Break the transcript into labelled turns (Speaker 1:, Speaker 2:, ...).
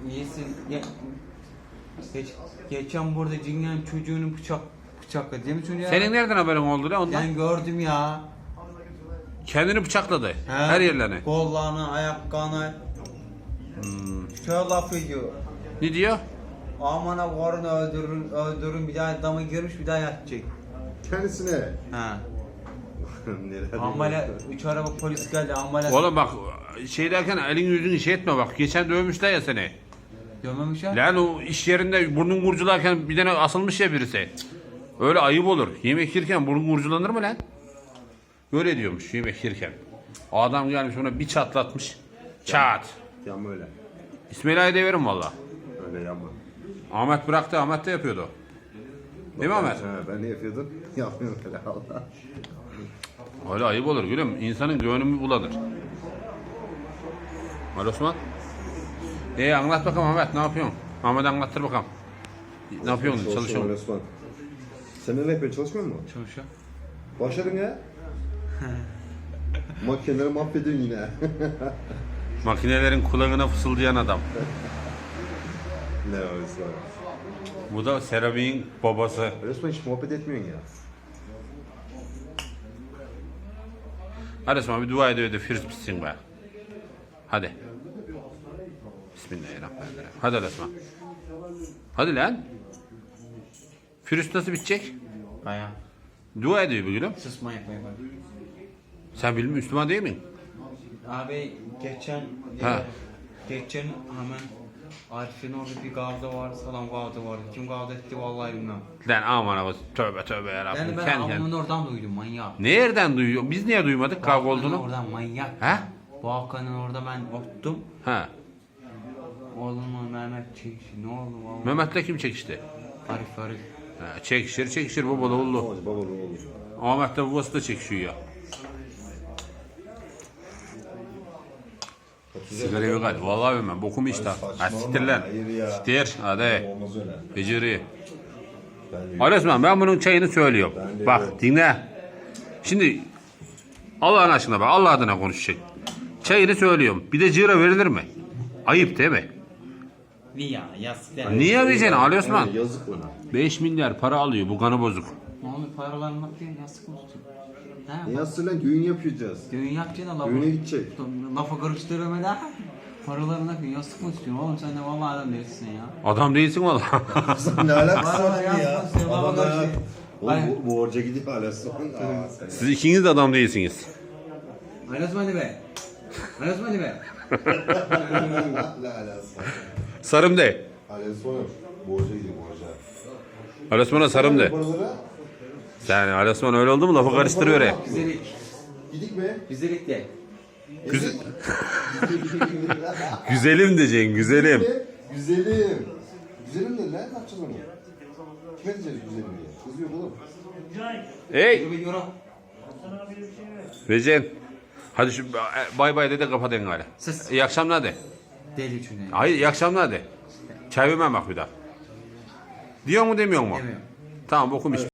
Speaker 1: İyisin. Geçen burada cingen çocuğunu bıçakladı değil mi çocuğa?
Speaker 2: Senin nereden haberin oldu lan ondan?
Speaker 1: Ben gördüm ya.
Speaker 2: Kendini bıçakladı. Her yerlerini.
Speaker 1: Kollarını, ayaklarını. Şöyle laf ediyor.
Speaker 2: Ne diyor?
Speaker 1: Amana varını öldürün bir daha adamı girmiş bir daha yatacak.
Speaker 3: Kendisine.
Speaker 1: Ha.
Speaker 3: Neler
Speaker 1: Ambala 3 araba polis geldi ambala.
Speaker 2: Oğlum bak şey derken elin yüzünü şey etme bak. Geçen dövmüşler ya seni.
Speaker 1: Görmemişler.
Speaker 2: Lan o iş yerinde burnun kurcularken bir tane asılmış ya birisi. Öyle ayıp olur. Yemek yerken burnun kurculanır mı lan? Böyle diyormuş yemek yerken. O adam gelmiş ona bir çatlatmış. Çat.
Speaker 3: Yapma öyle.
Speaker 2: İsmail Ağa'yı deverim valla.
Speaker 3: Öyle yapma.
Speaker 2: Ahmet bıraktı. Ahmet de yapıyordu. Değil mi Ahmet?
Speaker 3: Ha, ben ne yapıyordum? Yapmıyorum öyle Allah.
Speaker 2: Öyle ayıp olur gülüm. İnsanın gönlünü bulanır. Ali Osman. Anlat bakalım Ahmet ne yapıyorsun? Ahmet anlattır bakalım. Ne yapıyorsun? Çalışıyor musun?
Speaker 3: Osman. Sen ne yapıyorsun? Çalışmıyor musun?
Speaker 1: Çalışıyor.
Speaker 3: Başladın ya. Makineleri mahvediyorsun yine.
Speaker 2: Makinelerin kulağına fısıldayan adam.
Speaker 3: Ne var Osman?
Speaker 2: Bu da Serap'in babası.
Speaker 3: Osman hiç muhabbet etmiyorsun ya.
Speaker 2: Hadi Osman bir dua ediyor da firuz bitsin be. Hadi. Bismillahirrahmanirrahim. Hadi Ali Osman. Hadi lan. Firuz nasıl bitecek?
Speaker 1: Baya.
Speaker 2: Dua ediyor bu gülüm.
Speaker 1: Susma yapmaya bak.
Speaker 2: Sen bilmiyor Müslüman değil misin?
Speaker 1: Abi geçen hemen Arif'in orada bir kavga var, salam kavga var. Kim kavga etti vallahi bilmem.
Speaker 2: Lan aman abi tövbe tövbe yarabbim.
Speaker 1: Yani ben ablamın oradan duydum manyak.
Speaker 2: Nereden duyuyor? Biz niye duymadık kavga olduğunu?
Speaker 1: Oradan manyak.
Speaker 2: He?
Speaker 1: Bu Hakan'ın orada ben ottum.
Speaker 2: Ha.
Speaker 1: Oğlumla Mehmet çekişti. Ne oldu vallahi?
Speaker 2: Mehmet'le kim çekişti?
Speaker 1: Arif.
Speaker 2: Ha, çekişir babalı oğlu.
Speaker 3: Babalı oğlum.
Speaker 2: Ahmet'le babası da çekişiyor ya. Sigara yok hadi. Vallahi bilmem. Bokumu işte. Ha siktir lan.
Speaker 3: Hayır ya.
Speaker 2: Siktir. Hadi.
Speaker 3: Olmaz öyle.
Speaker 2: Beceri.
Speaker 3: Ben de
Speaker 2: Ali Osman ben bunun çayını söylüyorum.
Speaker 3: Ben de
Speaker 2: Bak
Speaker 3: öyle.
Speaker 2: dinle. Şimdi Allah'ın aşkına bak Allah adına konuşacak. Çayını söylüyorum. Bir de cıra verilir mi? Ayıp değil mi?
Speaker 1: Niye? Yazık.
Speaker 2: Niye vereceksin Ali Osman?
Speaker 3: Yazık bana.
Speaker 2: 5 milyar para alıyor bu kanı bozuk.
Speaker 1: Ne oldu paralarını bak diye yastık mı tutun?
Speaker 3: Ne yazsın lan? Düğün yapacağız.
Speaker 1: Düğün yapacaksın da
Speaker 3: Düğüne gidecek.
Speaker 1: Lafa karıştırma da. Paralarını akın yastık mı tutuyorsun? Oğlum sen de vallahi adam değilsin ya.
Speaker 2: Adam değilsin valla.
Speaker 3: Ne alakası
Speaker 1: Vallahi
Speaker 3: var ya?
Speaker 1: yazmasın,
Speaker 3: Adam
Speaker 1: vallahi
Speaker 3: ya.
Speaker 1: şey.
Speaker 3: Oğlum bu borca gidiyor hala sonra.
Speaker 2: Siz ikiniz de adam değilsiniz.
Speaker 1: Ayrılsın be. Ayrılsın be.
Speaker 3: Ne alakası var?
Speaker 2: Sarım de.
Speaker 3: Hala sonra borca gidiyor borca.
Speaker 2: Ali Osman'a sarım de.
Speaker 3: Paralara
Speaker 2: Sen Ali Osman öyle oldu mu lafı karıştırıyor ya.
Speaker 1: Güzellik.
Speaker 3: gidik mi?
Speaker 1: Güzellik de.
Speaker 2: Güzelim diyeceksin güzelim.
Speaker 3: Güzelim. Güzelim de ne yapacağız onu? Kime diyeceğiz güzelim diye? Kız yok oğlum.
Speaker 2: Hey
Speaker 1: Bir euro.
Speaker 2: Recep. Hadi şu bay bay de kapatın gari.
Speaker 1: Siz.
Speaker 2: İyi akşamlar de.
Speaker 1: Deli çünkü.
Speaker 2: Hayır iyi akşamlar de. Çay vermem bak bir daha. Diyor mu demiyor mu?
Speaker 1: Demiyor.
Speaker 2: Tamam bokum iç.